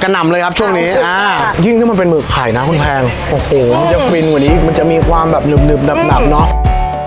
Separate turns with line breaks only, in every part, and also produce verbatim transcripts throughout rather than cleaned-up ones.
กระหน่ำเลยครับช่วงนี้อ่ายิ่งถ้ามันเป็นหมึกไข่นะคุณแพงโอ้โหมันจะฟินกว่านี้มันจะมีความแบบหนึบๆหนับๆเนาะ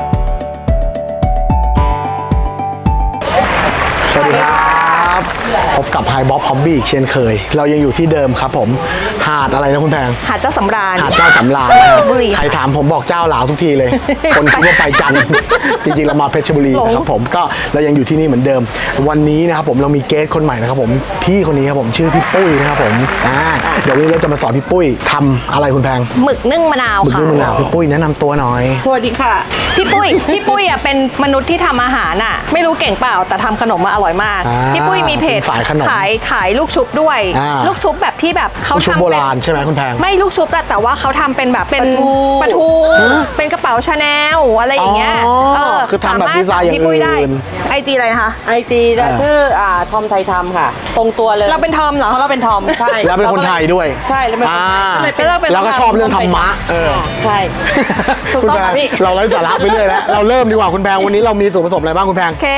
สวัสดีครับพบกับไฮบ๊อบฮอบบี้อีกเช่นเคยเรายังอยู่ที่เดิมครับผมหาดอะไรนะคุณแพง
หาดเจ้าสำราญ
หาดเจ้าสำราญนะครับใครถามผมบอกเจ้าหลาวทุกทีเลย คนคิดว่าไปจันทร์จริงๆเรามาเพชรบุรีนะครับผมก็เรายังอยู่ที่นี่เหมือนเดิมวันนี้นะครับผมเรามีเกสคนใหม่นะครับผมพี่คนนี้ครับผมชื่อพี่ปุ้ยนะครับผมอ่าเดี๋ยววันนี้เราจะมาสอนพี่ปุ้ยทำอะไรคุณแพง
หมึกนึ่งมะนาว
หมึก
ค่ะ
นึ่งมะนาวพี่ปุ้ยแนะนำตัวหน่อย
สวัสดีค่ะ
พี่ปุ้ยพี่ปุ้ยอ่ะเป็นมนุษย์ที่ทำอาหารอ่ะไม่รู้เก่งเปล่าแต่ทำขนมมาอร่อยมากพี่ปุ้ยมีเพจขายขายลูกชุบด้วยลูกชุบแบบที่แบบเขาทำ
โบราณใช่ไหมคุณแพง
ไม่ลูกชุบแต่ว่าเขาทำเป็นแบบเป็นปลาทูเป็นกระเป๋าชาแนลอะไรอย่างเงี้ย
เออคือทำแบบดีไซน์อย่างอื่น
ไอจีอะไรนะคะ
ไอจีชื่ออ่าทอมไทยทำค่ะตรงตัวเลย
เราเป็นทอมเหรอ
เราเป็นทอมใช่
แล้วเป็นคนไทยด้วย
ใช่แล้วเป็น
แล้วก็ชอบเรื่องธรรมะเออ
ใช่
คุณแพงเราไร้สาระไปเรื่อยแล้วเราเริ่มดีกว่าคุณแพงวันนี้เรามีส่วนผสมอะไรบ้างคุณแพง
โอเค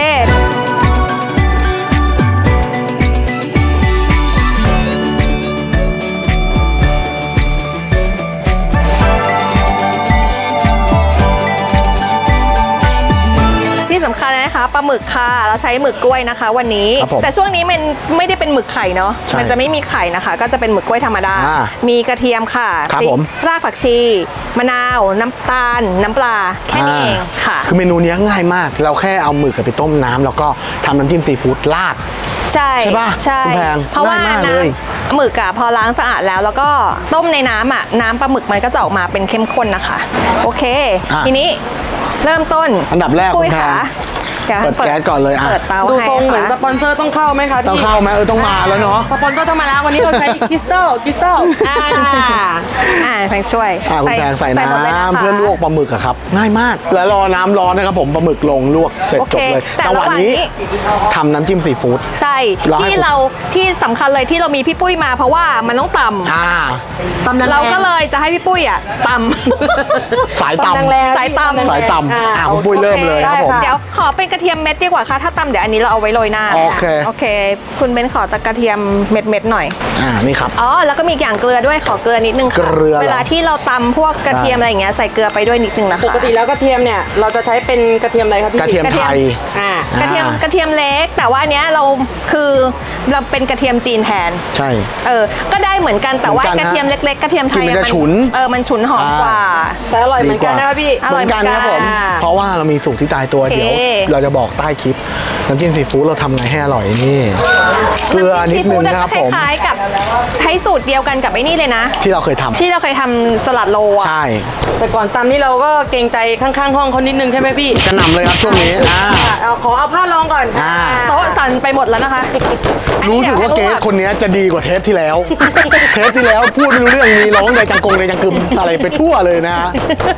สำคัญนะคะปลาหมึกค่ะเราใช้หมึกกล้วยนะคะวันนี้แต่ช่วงนี้มันไม่ได้เป็นหมึกไข่เนาะมันจะไม่มีไข่นะคะก็จะเป็นหมึกกล้วยธรรมดามีกระเทียมค่ะรากผักชีมะนาวน้ำตาลน้ำปลาแค่นี้เองค่ะ
คือเมนูนี้ง่ายมากเราแค่เอาหมึกไปต้มน้ำแล้วก็ทำน้ำจิ้มซีฟู้ดราด
ใช่
ใช่ป่ะ
ใช่เพราะว่าน้ำหมึกอะพอล้างสะอาดแล้วแล้วก็ต้มในน้ำอะน้ำปลาหมึกมันก็จะออกมาเป็นเข้มข้นนะคะโอเคทีนี้เริ่มต้น
อันดับแรกคุณแพงเปิดแก๊สก่อนเลยอ่ะ
เปิดเตา
ดูทรงเหมือนสปอนเซอร์ต้องเข้าไหมคะพี่
ต้องเข้าไหมเออต้องมาแล้วเนาะ
สปอนเซอร์ต้องมาแล้ววันนี้เราใช้คริสตัลคริสตัล
อ่าอ่าแพงช่วย
อ่าคุณแพงใส่น้ำเพื่อลวกปลาหมึกอะครับง่ายมากแล้วรอน้ำร้อนนะครับผมปลาหมึกลงลวกเสร็จจบเลยจังหวะนี้ทำน้ำจิ้มซีฟู้ด
ใช่ที่เราที่สำคัญเลยที่เรามีพี่ปุ้ยมาเพราะว่ามันต้องตำ
อ่า
ตำเราก็เลยจะให้พี่ปุ้ยอ่ะตำ
สายต
ำสายตำ
สายตำอ่าคุณปุ้ยเริ่มเลยครับผม
เดี๋ยวขอเป็นกระเทียมเม็ดดีกว่าค่ะถ้าตำเดี๋ยวอันนี้เราเอาไว้โรยหน้า
โอเค
โอเคคุณเบนขอจากกระเทียมเม็ดเม็ดหน่อย
อ่านี่ครับ
อ๋อแล้วก็มีอย่างเกลือด้วยขอเกลือนิดนึงค่ะเวลาที่เราตำพวกกระเทียมอะไรอย่างเงี้ยใส่เกลือไปด้วยนิดนึงนะคะ
ปกติแล้วกระเทียมเนี่ยเราจะใช้เป็นกระเทียมอะไรครับพี่
กระเทียมไทย
อ่ากระเทียมกระเทียมเล็กแต่ว่าเนี้ยเราคือเราเป็นกระเทียมจีนแทน
ใช่
เออก็ได้เหมือนกันแต่ว่ากระเทียมเล็กๆกระเทียมไทย
มันฉุน
เออมันฉุนหอมกว่า
แต่อร่อยเหมือนกันนะพี่
อร่อยเหมือนกัน
ครับผมเพราะว่าเรามีสูตรที่ตายตัวเดี๋ยวเราจะบอกใต้คลิปน้ำจิ้มซีฟู้ดเราทำไงให้อร่อยนี่เกลือนิดนึงนะครับผม
คล้ายๆกับใช้สูตรเดียวกันกับไอ้นี่เลยนะ
ที่เราเคยทำ
ที่เราเคยทำสลัดโลอ่ะ
ใช่
แต่ก่อนตำนี่เราก็เกรงใจข้างๆห้องเขานิดนึงใช่ไหมพี่
กระหน่ำเลยครับช่วงนี้
เอาขอเอาผ้ารองก่อน
โต๊ะสั่นไปหมดแล้วนะคะ
รู้สึกว่าเกสคนนี้จะดีกว่าเทปที่แล้วเทปที่แล้วพูดไม่รู้เรื่องมีร้องในจังกงในจังกึมอะไรไปทั่วเลยนะฮะ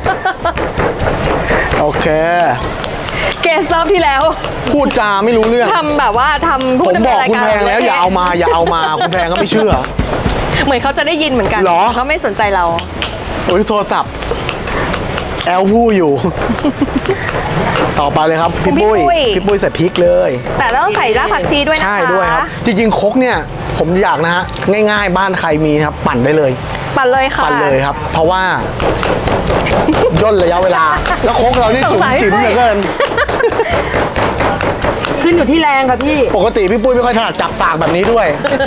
โอเค
เกสรอบที่แล้ว
พูดจาไม่รู้เรื่อง
ทำแบบว่าทำพูด
ผมบอกคุณแพงแล้วอย่าเอามาอย่าเอามาคุณแพงก็ไม่เชื่อ
เหมือนเขาจะได้ยินเหมือนกันเขาไม่สนใจเรา
โอ้ยโทรศัพท์แอลพูดอยู่ต่อไปเลยครับพี่ปุ้ยพี่ปุ้ยใส่พริกเลย
แต่ต้องใส่รากผักชีด้วยนะคะ
ใช่ด้วยครับจริงๆครกเนี่ยผมอยากนะฮะง่ายๆบ้านใครมีครับปั่นได้เลย
ปั่นเลยค่ะ
ปั่นเลยครับเพราะว่าย่นระยะเวลาแล้วโคกเรานี่จุ๋มจิ๋มเหลือเกิน
ขึ้นอยู่ที่แรงค่ะพี่
ปกติพี่ปุ้ยไม่ค่อยถนัดจับสากแบบนี้ด้วย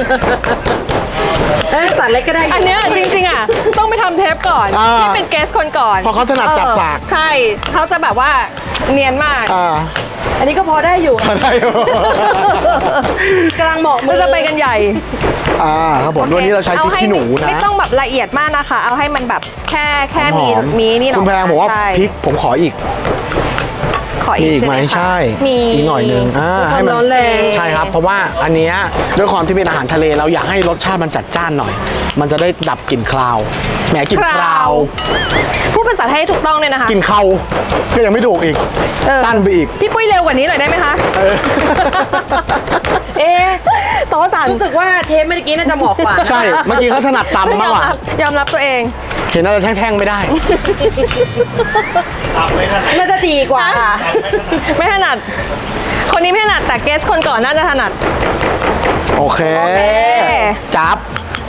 เออจัดเล็กก็ได้
อันเนี้ยจริงๆอ่ะต้องไปทำเทปก่อนที่เป็นเกสคนก่อน
เพราะเขาถนัดจับสาก
ใช่เขาจะแบบว่าเนียนมาก
อันนี้ก็พอได้อยู่
ได้อยู่
กำลังเหมาะ
มือจะไปกันใหญ่
อ่าครับผมวันนี้เราใช้พริกขี้หนูนะ
ไม่ต้องแบบละเอียดมากนะคะเอาให้มันแบบแค่แค่มีมีนี่หน่อย
คุณแพงบอกว่าพริกผมขออีก
ขออีก
ไหมใช่
มี
อีกหน่อยนึงอ่า
ให้มันร้อนแรง
ใช่ครับเพราะว่าอันเนี้ยด้วยความที่เป็นอาหารทะเลเราอยากให้รสชาติมันจัดจ้านหน่อยมันจะได้ดับกลิ่นคราวแหมกลิ่นคราว
พูดภาษาไทยถูกต้องเลยนะคะ
กลิ่นเขาก็ยังไม่ถูกอีกสั้นไปอีก
พี่ปุ้ยเร็วกว่านี้หน่อยได้ไหมคะ
เอ๊โต๊ะสั่นรู้สึกว่าเทปเมื่อกี้น่าจะเหมาะกว่า
ใช่เมื่อกี้เขาถนัดตำมากกว่
ายอมรับตัวเอง
เห็นอะไรแท่งๆไม่ได้
น่าจะดีกว่า
ไม่ถนัดคนนี้ไม่ถนัดแต่เกสคนก่อนน่าจะถนัด
โอเคจับ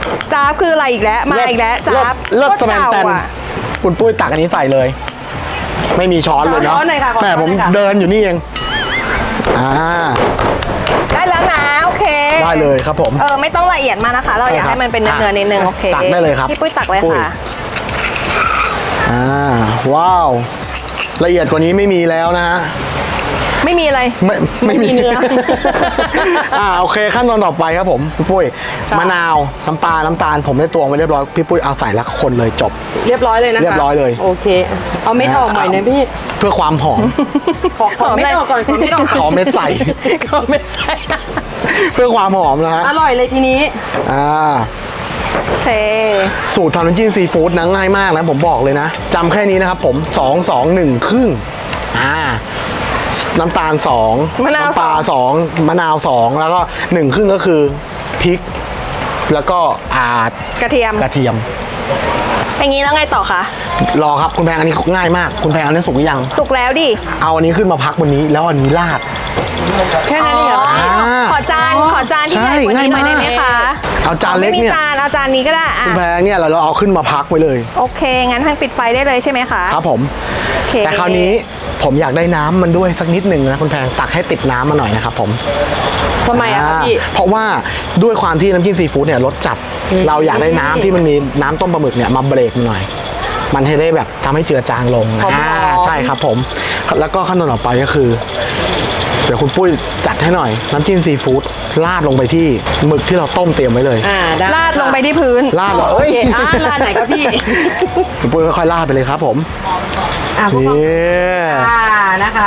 จ้าบคืออะไรอีกแล้วมาอีกแล้วจ้าบ
เลิศ
โคตร
สแมนแตน
เก่าอะ
คุณปุ้ยตักอันนี้ใส่เลย ไม่มีช้อนเลย
ขอ
เนาะ
ช้อนหน่อยค่ะขอ
แหม่
ช้อน
ผม
หน่อยค่ะ
เดินอยู่นี่เองอ่า
ได้แล้วนะโอเค
ได้เลยครับผม
เออไม่ต้องละเอียดมากนะคะ เราอยากให้มันเป็นเนื้อๆนิดนึงโอเค
ตักได้เลยครับ
พี่ปุ้ยตักเลย
ปุ้
ค่ะ
อ่าว้าว ละเอียดกว่านี้ไม่มีแล้วนะฮะ
ไม่มีอะไร
ไม่
ไม่มีเนื้อ
อ่าโอเคขั้นตอนต่อไปครับผมพี่ปุ้ยมะนาวน้ำปลาน้ำตาลผมได้ตวงไว้เรียบร้อยพี่ปุ้ยเอาใส่แล้วคนเลยจบ
เรียบร้อยเลยนะคะ
เรียบร้อยเลย
โอเค เอาเม็ดออกหน่อยนะพี่
เพื่อความหอม
ขอขอเม็ดออกก่อนขอเม็ดออก
ขอเม็ดใส่
ขอเม็ดใส่
เพื่อความหอมนะฮะ
อร่อยเลยทีนี้
อ่า
โอเค
สูตรทำน้ำจิ้มซีฟู้ดนะง่ายมากนะผมบอกเลยนะจำแค่นี้นะครับผมสอง สอง หนึ่งครึ่งอ่าน้ำตาลสอง
มะนาว
น้ำปลาสองมะนาวสองแล้วก็หนึ่งครึ่งก็คือพริก แล้วก็อาด
กระเทียม
กระเทียม
อย่างนี้แล้วไงต่อคะ
รอครับคุณแพงอันนี้ง่ายมากคุณแพงอันนี้สุกหรือยัง
สุกแล้วดิ
เอาอันนี้ขึ้นมาพักบนนี้แล้วอันนี้ราด
แค่นั้นเองเหรอ
อ่า
ขอจานขอจานที่ใหญ่กว่านี้หน่อยได้ไหมคะ
เอาจานเล็ก
ไม่มี
เนี่ย
จานเอาจานนี้ก็ได้อ่ะ
คุณแพงเนี่ยเราเราเอาขึ้นมาพักไว้เลย
โอเค งั้นทางปิดไฟได้เลยใช่ไหมคะ
ครับผม
โอเค
แต่คราวนี้ผมอยากได้น้ำมันด้วยสักนิดหนึ่งนะคุณแพงตักให้ติดน้ำมาหน่อยนะครับผม
ทำไมอะคะพี่
อ่าเพราะว่าด้วยความที่น้ำจิ้มซีฟู้ดเนี่ยรสจัด เราอยากได้น้ำที่มันมีน้ำต้มปลาหมึกเนี่ยมาเบรกมันหน่อย มันให้ได้แบบทำให้เจือจางลง
หอมๆ
อ่าใช่ครับผม แล้วก็ขั้นตอนต่อไปก็คือ เดี๋ยวคุณปุ้ยจัดให้หน่อย น้ำจิ้มซีฟู้ดราดลงไปที่หมึกที่เราต้มเตรียมไว้เลย
อ่าได้
ราดลงไปที่พื้น
ราดเลย
โอ
เอ้ย
เคอ่าร้านไหนครับพี่
คุณปุ้ยค่อยๆราดไปเลยครับผม
อ่าพวก
นี่
อ่านะคะ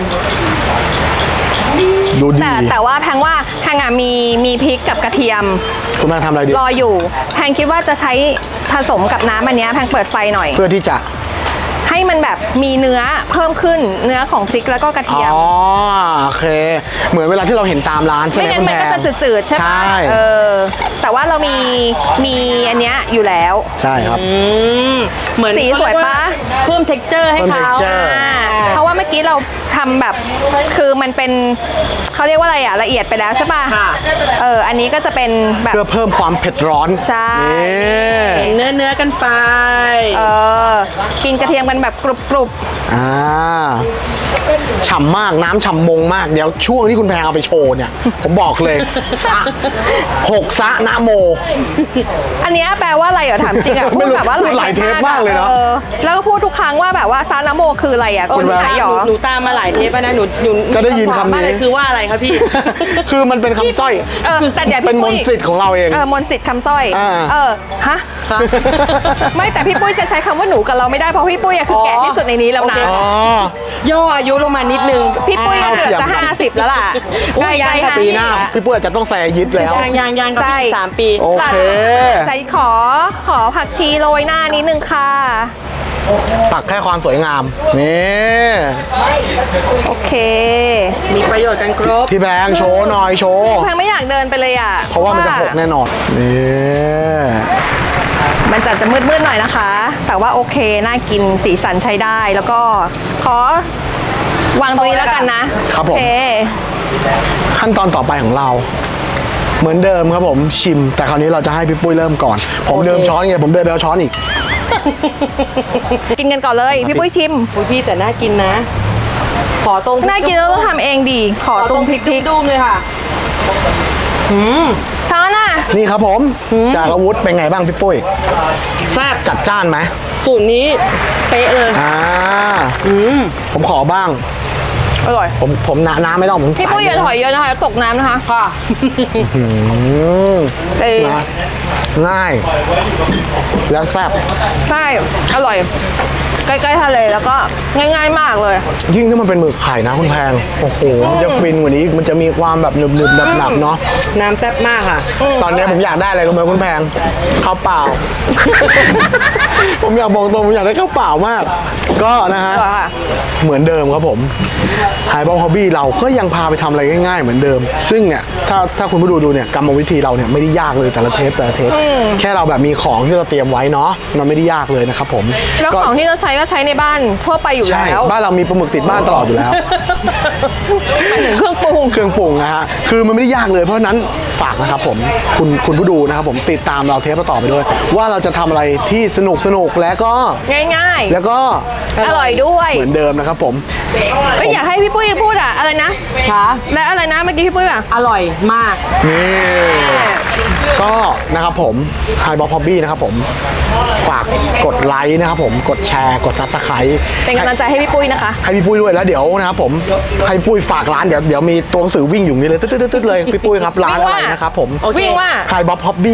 ดูดี
แต่แต่ว่าแพงว่าแพงอ่ะมีมีพริกกับกระเทียม
คุณแม่ทำอะไรดี
รออยู่ แพงคิดว่าจะใช้ผสมกับน้ำอันเนี้ยแพงเปิดไฟหน่อย
เพื่อที่จะ
ให้มันแบบมีเนื้อเพิ่มขึ้นเนื้อของพริกแล้วก็กระเทียม
อ๋อโอเค เหมือนเวลาที่เราเห็นตามร้านใช่ไหม
ไม่งั้น
คุณ
มัน
แพ
ก็
ง
จะจืดๆใช่ปะ
ใช่
เออแต่ว่าเรามีมีอันเนี้ยอยู่แล้ว
ใช่ครับ
อืมเหมือน
สีสวยปะ
เพิ่ม texture ให้
เพิ่ม
เขา
texture
อ่าเพราะว่าเมื่อกี้เราทำแบบคือมันเป็นเขาเรียกว่าอะไรอะละเอียดไปแล้วใช่ปะ
ค่ะ
เอออันนี้ก็จะเป็นแบบ
เพื่อเพิ่มความเผ็ดร้อน
ใช่
นี่
เห็นเนื้อเนื้อๆกันไป
เออกินกระเทียมกันแบบกรุบ
อ่าฉ่ำมากน้ำฉ่ำมงมาก เดี๋ยวช่วงที่คุณแพงเอาไปโชว์เนี่ย ผมบอกเลยซะหกซะนะโม
ๆอันเนี้ยแปลว่าอะไรเหรอถามจริงอะ
ไม่
พูด
รู้
แบบว่า
พูดหลายเทปมากเลยเนอะ
ออแล้วก็พูดทุกครั้งว่าแบบว่าซานาโมคืออะไรอะ
โอ้
คุณ
หนู
ไท
ตาย ม
หรอ
หนูตามมาหลายเทปแล้วนะหนูหนู
จะได้ยินคำนี้
มากเลยคือว่าอะไรครับพี่
คือมันเป็นคำสร้อย
เออแต่เดี๋ยว
เป็
พี่
นม
ปุ้
น
ย
ต์สิทธิ์ของเราเอง
เออมนต์สิทธิ์คำสร้อย
อ่า
เออฮะ
ค่ะ
ไม่แต่พี่ปุ้ยจะใช้คำว่าหนูกับเราไม่ได้เพราะพี่ปุ้ยอะคือแก่ที่สุดในนี้แล้วนะ
โอเค
อ๋อ
ย่ออายุลงมานิดนึง
พี่ปุ้ยก็เกือบจะห้าสิบแล้วล่ะ
อุ๊
ใก
ย
ล้
ยัง
ๆ
ค่ะ
ห้า
ปี
สิบ
หน้า
แล้ว
พี่ปุ้ยอาจจะต้องแซยิดแล้ว
ยังยังยังครับ
ใช่
พี่สามปี
โอเค
ใส่ขอขอผักชีโรยหน้านิดนึงค่ะ
ตักแค่ความสวยงาม นี่
โอเค
มีประโยชน์กันครบ
พี่แบงค์โชว์หน่อยโชว์
แพงไม่อยากเดินไปเลยอ่ะ
เพราะว่ามันจะหกแน่นอน นี่
มันจะจะมืดๆหน่อยนะคะ แต่ว่าโอเคน่ากินสีสันใช้ได้แล้วก็ขอวางตรงนี้แล้วกันนะครับ
ผม
โอเค
ขั้นตอนต่อไปของเรา เหมือนเดิมครับผมชิม แต่คราวนี้เราจะให้พี่ปุ้ยเริ่มก่อน ผมเดิมช้อนไงผมเดินไปเอาช้อนอีก
กินกันก่อนเลยพี่ปุ้ยชิม
อุ้ยพี่แต่น่ากินนะ ขอตรงพริ
น่ากินแล้วต้องทำเองดีขอตรงพริกพริก
ดูมเลยค่ะ
ช้อนอ่ะ
นี่ครับผม จากอาวุธเป็นไงบ้างพี่ปุ้ย
แซ่บ
จัดจ้านไหม
สูตรนี้เป๊ะเลย
อ่าผมขอบ้าง
อร่อย
ผมผมน้ำน้ำไม่ต้องผม
พี่ปุ้ยอย่าถอยเยอะนะคะตกน้ำนะคะ
ค่ะ
อืม
เออ
นะง่าย แล้วแซ่บ
ใช่อร่อย ใกล้ๆทะเลแล้วก็ง่ายๆมากเลย
ยิ่งถ้ามันเป็นหมึกไข่นะคุณแพง โอ้โห มันจะฟินกว่านี้อีกมันจะมีความแบบหนึบๆหนับๆเนาะ
น้ำแซ่บมากค่ะ
ตอนนี้ผมอยากได้อะไรรู้ไหมคุณแพงข้าวเปล่า ผมอยากบอกตรงผมอยากได้ข้าวเปล่ามาก ก็นะฮะ
อร่อยค่ะ
เหมือนเดิมครับผมไฮบอลฮอบบี้เราก็ยังพาไปทำอะไรง่ายๆเหมือนเดิม ซึ่งเนี่ยถ้าถ้าคุณผู้ดูดูเนี่ยกรรมวิธีเราเนี่ยไม่ได้ยากเลยแต่ละเทปแต่ละเทปแค่เราแบบมีของที่เราเตรียมไว้เนาะมันไม่ได้ยากเลยนะครับผม
แล้ว
ก็
ของที่เราใช้ก็ใช้ในบ้านทั่วไปอยู่
ใช่
แล้ว
บ้านเรามีปลาหมึกติดบ้านตลอดอยู่แล้ว
หมายถึงเครื่องปรุง
เครื่องปรุงนะฮะ คือมันไม่ได้ยากเลย เพราะฉะนั้นฝากนะครับผม คุณคุณผู้ดูนะครับผมติดตามเราเทปต่อไปด้วย ว่าเราจะทำอะไรที่สนุกสนุกและก็
ง่าย
แล้วก็
ๆ อร่อยด้วย
เหมือนเดิมนะครับผม
เฮ้ยอยากให้พี่ปุ้ยพูดอะอะไรนะ
ค่ะ
และอะไรนะเมื่อกี้พี่ปุ้ยอะ
อร่อยมาก
นี่ก็นะครับผม Hi Bob Hobby นะครับผมฝากกดไลค์นะครับผมกดแชร์กด Subscribe
เป็นกำลังใจให้พี่ปุ้ยนะคะ
ให้พี่ปุ้ยด้วยแล้วเดี๋ยวนะครับผมให้พี่ปุ้ยฝากร้านเดี๋ยวเดี๋ยวมีตัวหนังสือวิ่งอยู่นี่เลยตึ๊ดๆๆเลยพี่ปุ้ยครับร้านอะไรนะครับผม
วิ่งว่า
Hi Bob Hobby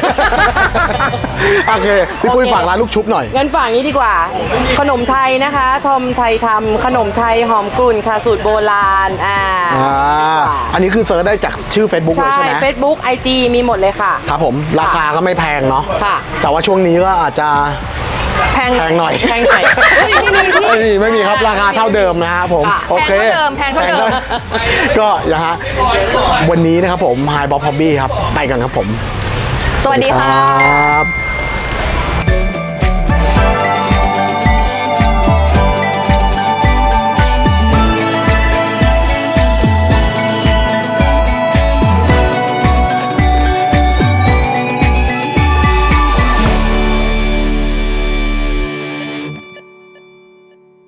โอเคพี่ปุ้ยฝากร้านลูกชุบหน่อย
เงินฝากนี้ดีกว่า ขนมไทยนะคะทอมไทยทำขนมไทยหอมกลุ่นค่ะสูตรโบราณอ่า
อ่าอันนี้คือเซิร์ชได้จากชื่อ Facebook เลย
ใช่
ใช่ไหม
Facebook ไอ จี มีหมดเลยค่ะ
ครับผมราคาก็ไม่แพงเนาะ
ค่ะ
แต่ว่าช่วงนี้ก็อาจจะ
แพง
แพงหน่อย
แพงหน่อยเฮ้ยไม่มีพี่
ไม่มีไม่มีครับราคาเท่าเดิมนะครับผม
ค่ะ
โอเค
แพงเท่าเดิมแพงเท่าเดิม
ก็อย่างฮะวันนี้นะครับผม Hi Bob Hobby ครับไปกันครับผม
สวัสดีค่ะ
รับ